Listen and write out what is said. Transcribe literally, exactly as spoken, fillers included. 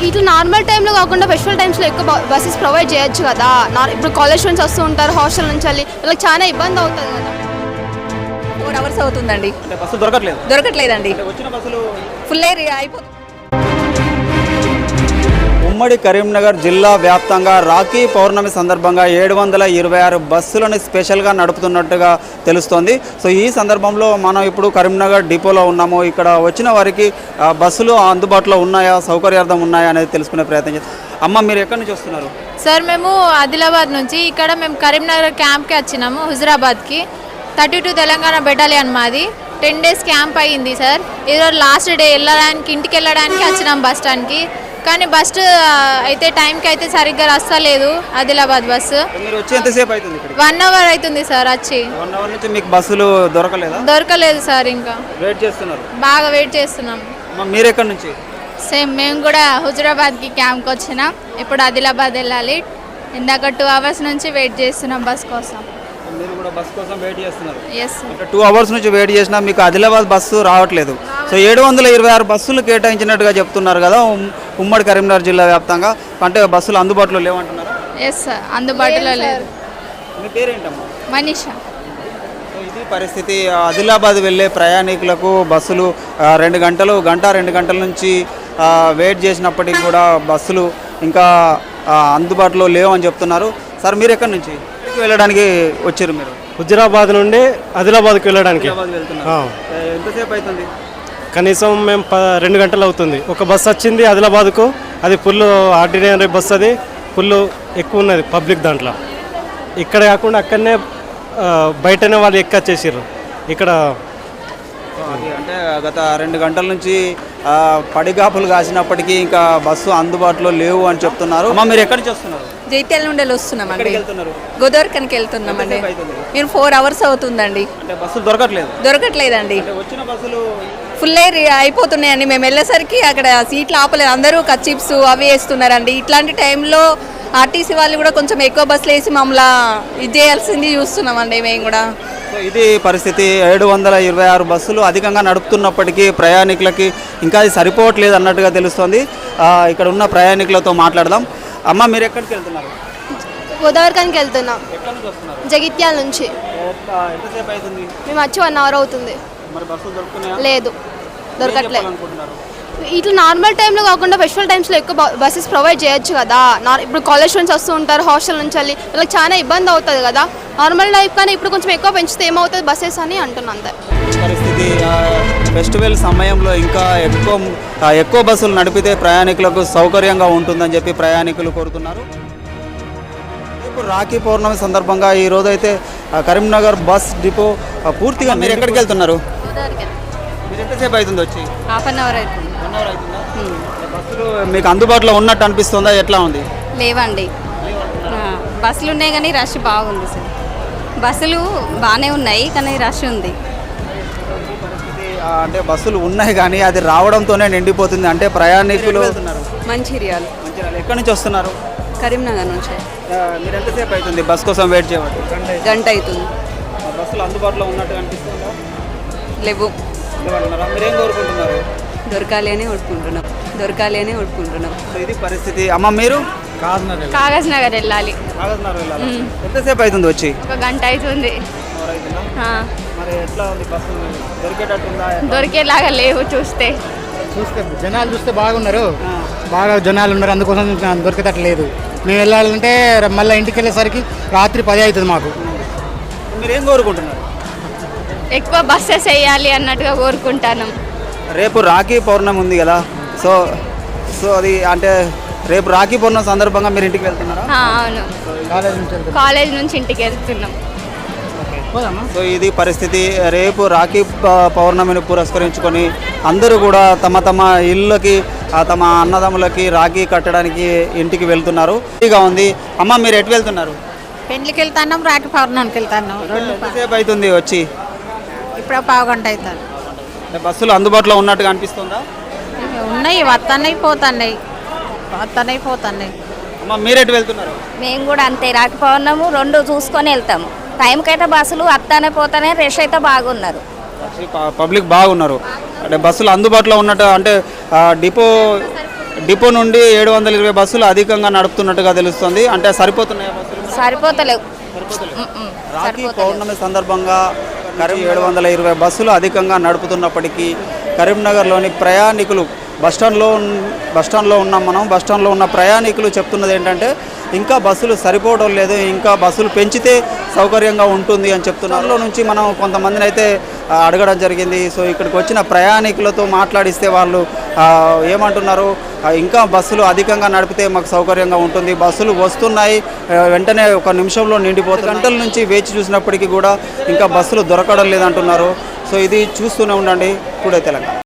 ఇట్లా నార్మల్ టైంలో కాకుండా ఫెస్టివల్ టైమ్స్లో ఎక్కువ బస్సెస్ ప్రొవైడ్ చేయొచ్చు కదా. ఇప్పుడు కాలేజ్ నుంచి వస్తూ ఉంటారు, హాస్టల్ నుంచి వెళ్ళి వాళ్ళకి చాలా ఇబ్బంది అవుతుంది కదా. ఫోర్ అవర్స్ అవుతుందండి, బస్సు దొరకట్లేదు దొరకట్లేదండి, వచ్చిన బస్సులు ఫుల్ అయిపోతుంది. ఉమ్మడి కరీంనగర్ జిల్లా వ్యాప్తంగా రాఖీ పౌర్ణమి సందర్భంగా ఏడు వందల ఇరవై ఆరు బస్సులను స్పెషల్గా నడుపుతున్నట్టుగా తెలుస్తోంది. సో ఈ సందర్భంలో మనం ఇప్పుడు కరీంనగర్ డిపోలో ఉన్నాము. ఇక్కడ వచ్చిన వారికి బస్సులు అందుబాటులో ఉన్నాయా, సౌకర్యార్థం ఉన్నాయా అనేది తెలుసుకునే ప్రయత్నం చేస్తాం. అమ్మ, మీరు ఎక్కడి నుంచి వస్తున్నారు? సార్ మేము ఆదిలాబాద్ నుంచి, ఇక్కడ మేము కరీంనగర్ క్యాంప్కి వచ్చినాము, హుజరాబాద్కి. థర్టీ టూ తెలంగాణ బెటాలియన్ మాది. టెన్ డేస్ క్యాంప్ అయ్యింది సార్. ఈరోజు లాస్ట్ డే వెళ్ళడానికి, ఇంటికి వెళ్ళడానికి వచ్చినాం బస్ స్టాండ్కి. కానీ బస్ అయితే టైంకి అయితే సరిగ్గా వస్తలేదు ఆదిలాబాద్ బస్సు. మీరు వచ్చి ఎంతసేపు అవుతుంది? వన్ అవర్ అవుతుంది సార్ వచ్చి. వన్ అవర్ నుంచి మీకు బస్సులు దొరకలేదా? దొరకలేదు సార్, ఇంకా వెయిట్ చేస్తున్నారు, బాగా వెయిట్ చేస్తున్నాం. మీరు ఎక్కడి నుంచి? సేమ్ మేము కూడా హుజరాబాద్కి క్యాంప్కి వచ్చినాం. ఇప్పుడు ఆదిలాబాద్ వెళ్ళాలి. ఇందాక టూ అవర్స్ నుంచి వెయిట్ చేస్తున్నాం బస్ కోసం. మీరు కూడా బస్ కోసం వెయిట్ చేస్తున్నారు? Yes sir. టూ అవర్స్ నుంచి వెయిట్ చేసినా మీకు ఆదిలాబాద్ బస్సు రావట్లేదు. సో ఏడు వందల ఇరవై ఆరు బస్సులు కేటాయించినట్టుగా చెప్తున్నారు కదా ఉమ్మడి కరీంనగర్ జిల్లా వ్యాప్తంగా. అంటే బస్సులు అందుబాటులో లేవంటున్నారు? ఎస్ సార్, అందుబాటులో లేదు. మీ పేరేంటమ్మా? మనీషా. ఇది పరిస్థితి. ఆదిలాబాద్ వెళ్ళే ప్రయాణికులకు బస్సులు రెండు గంటలు గంట రెండు గంటల నుంచి వెయిట్ చేసినప్పటికీ కూడా బస్సులు ఇంకా అందుబాటులో లేవని చెప్తున్నారు. సార్, మీరు ఎక్కడి నుంచి వెళ్ళడానికి వచ్చారు? మీరు హుజరాబాద్ నుండి ఆదిలాబాద్కి వెళ్ళడానికి ఎంతసేపు అవుతుంది? కనీసం మేము ప రెండు గంటలు అవుతుంది. ఒక బస్సు వచ్చింది ఆదిలాబాద్కు, అది ఫుల్ ఆర్డినరీ బస్సు, అది ఫుల్ ఎక్కువ ఉన్నది పబ్లిక్ దాంట్లో. ఇక్కడ కాకుండా అక్కడనే బయటనే వాళ్ళు ఎక్కొచ్చేసారు. ఇక్కడ అంటే గత రెండు గంటల నుంచి పడిగాపులు కాసినప్పటికీ ఇంకా బస్సు అందుబాటులో లేవు అని చెప్తున్నారు. అమ్మ, మీరు ఎక్కడి నుంచి వస్తున్నారు? జైత్యాల నుండి వస్తున్నామండి, గోదావరికనికి వెళ్తున్నామండి. మేము ఫోర్ అవర్స్ అవుతుందండి, బస్సులు దొరకట్లేదు దొరకట్లేదండి వచ్చిన బస్సులు ఫుల్ అయిపోతున్నాయండి. మేము వెళ్ళేసరికి అక్కడ సీట్లు ఆపలేదు, అందరూ కచ్చిప్స్ అవి వేస్తున్నారండి. ఇట్లాంటి టైంలో ఆర్టీసీ వాళ్ళు కూడా కొంచెం ఎక్కువ బస్సులు వేసి మమ్మల్ని ఇది చేయాల్సింది చూస్తున్నామండి మేము కూడా. సో ఇది పరిస్థితి. ఏడు వందల ఇరవై ఆరు బస్సులు అధికంగా నడుపుతున్నప్పటికీ ప్రయాణికులకి ఇంకా అది సరిపోవట్లేదు అన్నట్టుగా తెలుస్తుంది. ఇక్కడ ఉన్న ప్రయాణికులతో మాట్లాడదాం. అమ్మ, మీరు ఎక్కడికి వెళ్తున్నారు? గోదావరికానికి వెళ్తున్నాం, జగిత్యాల నుంచి. ఎంతసేపు అవుతుంది? మేము వచ్చి వన్ అవర్ అవుతుంది. మరి బస్సులు దొరుకుతున్నాయా? లేదు, దొరకట్లేదు. ఇట్లా నార్మల్ టైంలో కాకుండా ఫెస్టివల్ టైమ్స్లో ఎక్కువ బస్సెస్ ప్రొవైడ్ చేయొచ్చు కదా. ఇప్పుడు కాలేజ్ నుంచి వస్తూ ఉంటారు, హాస్టల్ నుంచి వెళ్ళి వాళ్ళకి చాలా ఇబ్బంది అవుతుంది కదా. నార్మల్ లైఫ్ కానీ ఇప్పుడు కొంచెం ఎక్కువ పెంచితే ఏమవుతుంది బస్సెస్ అని అంటున్నాను. అంతే పరిస్థితి. ఫెస్టివల్ సమయంలో ఇంకా ఎక్కువ ఎక్కువ బస్సులు నడిపితే ప్రయాణికులకు సౌకర్యంగా ఉంటుందని చెప్పి ప్రయాణికులు కోరుతున్నారు. ఇప్పుడు రాఖీ పౌర్ణమి సందర్భంగా ఈ రోజు అయితే కరీంనగర్ బస్ డిపో పూర్తిగా. మీరు ఎక్కడికి వెళ్తున్నారు? మీరు ఎంతసేపు అవుతుంది వచ్చి? హాఫ్ అన్ అవర్ అవుతుంది. వన్ అవర్ అవుతుందా? బస్సులు మీకు అందుబాటులో ఉన్నట్టు అనిపిస్తుందా? ఎట్లా ఉంది? లేవండి, బస్సులు ఉన్నాయి కానీ రష్ బాగుంది సార్. బస్సులు బాగానే ఉన్నాయి కానీ రష్ ఉంది. అంటే బస్సులు ఉన్నాయి కానీ అది రావడంతోనే నిండిపోతుంది. అంటే ప్రయాణికులు మంచిర్యాల. మంచిర్యాల ఎక్కడి నుంచి వస్తున్నారు? కరీంనగర్ నుంచి. మీరు ఎంతసేపు అవుతుంది బస్ కోసం వెయిట్ చేయబట్టి? గంట అవుతుంది. బస్సులు అందుబాటులో ఉన్నట్టు అనిపిస్తుందా? లేవు. మీరేం కోరుకుంటున్నారు? దొరకాలి అని కోరుకుంటున్నాం, దొరకాలి అని కోరుకుంటున్నాం. ఇది పరిస్థితి. అమ్మ, మీరు? కాగజ్ నగర్ వెళ్ళాలి. ఎంతసేపు అవుతుంది వచ్చి? ఒక గంట అవుతుంది. మరి ఎట్లా ఉంది బస్సు? దొరికేటట్టుందా? దొరికేలాగా లేవు. చూస్తే చూస్తే జనాలు చూస్తే బాగున్నారు, బాగా జనాలు ఉన్నారు, అందుకోసం దొరికేటట్లేదు. మేము వెళ్ళాలంటే మళ్ళీ ఇంటికి వెళ్ళేసరికి రాత్రి పది అవుతుంది మాకు. మీరేం కోరుకుంటున్నారు? ఎక్కువ బస్సెస్ వేయాలి అన్నట్టుగా కోరుకుంటాను. రేపు రాఖీ పౌర్ణమి ఉంది కదా, సో సో అది అంటే రేపు రాఖీ పౌర్ణమి సందర్భంగా మీరు ఇంటికి వెళ్తున్నారా? అవును, కాలేజ్ నుంచి ఇంటికి వెళ్తున్నాం. సో ఇది పరిస్థితి. రేపు రాఖీ పౌర్ణమిని పురస్కరించుకొని అందరూ కూడా తమ తమ ఇళ్ళకి తమ అన్నదమ్ములకి రాఖీ కట్టడానికి ఇంటికి వెళ్తున్నారు. ఇదిగా ఉంది. అమ్మ, మీరు ఎటు వెళ్తున్నారు? పెళ్లికి వెళ్తాను, రాఖీ పౌర్ణమికి వెళ్తాను. ఎంతసేపు అవుతుంది వచ్చి? ఇప్పుడు పావు గంట అవుతుంది. బస్సులు అందుబాటులో ఉన్నట్టుగా అనిపిస్తుందా? ఉన్నాయి, వస్తున్నాయి పోతున్నాయి, వస్తున్నాయి పోతున్నాయి. అమ్మ, మీరు ఎటు వెళ్తున్నారు? మేము కూడా అంతే, రాఖీ పౌర్ణము రెండు చూసుకొని వెళ్తాము. టైంకి అయితే బస్సులు వస్తానే పోతానే, రష్ అయితే బాగున్నారు, పబ్లిక్ బాగున్నారు. అంటే బస్సులు అందుబాటులో ఉన్నట్టు అంటే డిపో డిపో నుండి ఏడు వందల ఇరవై బస్సులు అధికంగా నడుపుతున్నట్టుగా తెలుస్తుంది. అంటే సరిపోతున్నాయి బస్సులు? సరిపోతలేవు. రాఖీ పౌర్ణమి సందర్భంగా కరీం ఏడు వందల ఇరవై బస్సులు అధికంగా నడుపుతున్నప్పటికీ కరీంనగర్లోని ప్రయాణికులు బస్టాండ్లో బస్టాండ్లో ఉన్నాం మనం. బస్టాండ్లో ఉన్న ప్రయాణికులు చెప్తున్నది ఏంటంటే ఇంకా బస్సులు సరిపోవడం లేదు, ఇంకా బస్సులు పెంచితే సౌకర్యంగా ఉంటుంది అని చెప్తున్నారు. నుంచి మనం కొంతమందిని అయితే అడగడం జరిగింది. సో ఇక్కడికి వచ్చిన ప్రయాణికులతో మాట్లాడిస్తే వాళ్ళు ఏమంటున్నారు, ఇంకా బస్సులు అధికంగా నడిపితే మాకు సౌకర్యంగా ఉంటుంది, బస్సులు వస్తున్నాయి వెంటనే ఒక నిమిషంలో నిండిపోతుంది, గంటల నుంచి వేచి చూసినప్పటికీ కూడా ఇంకా బస్సులు దొరకడం లేదంటున్నారు. సో ఇది చూస్తూనే ఉండండి టుడే తెలంగాణ.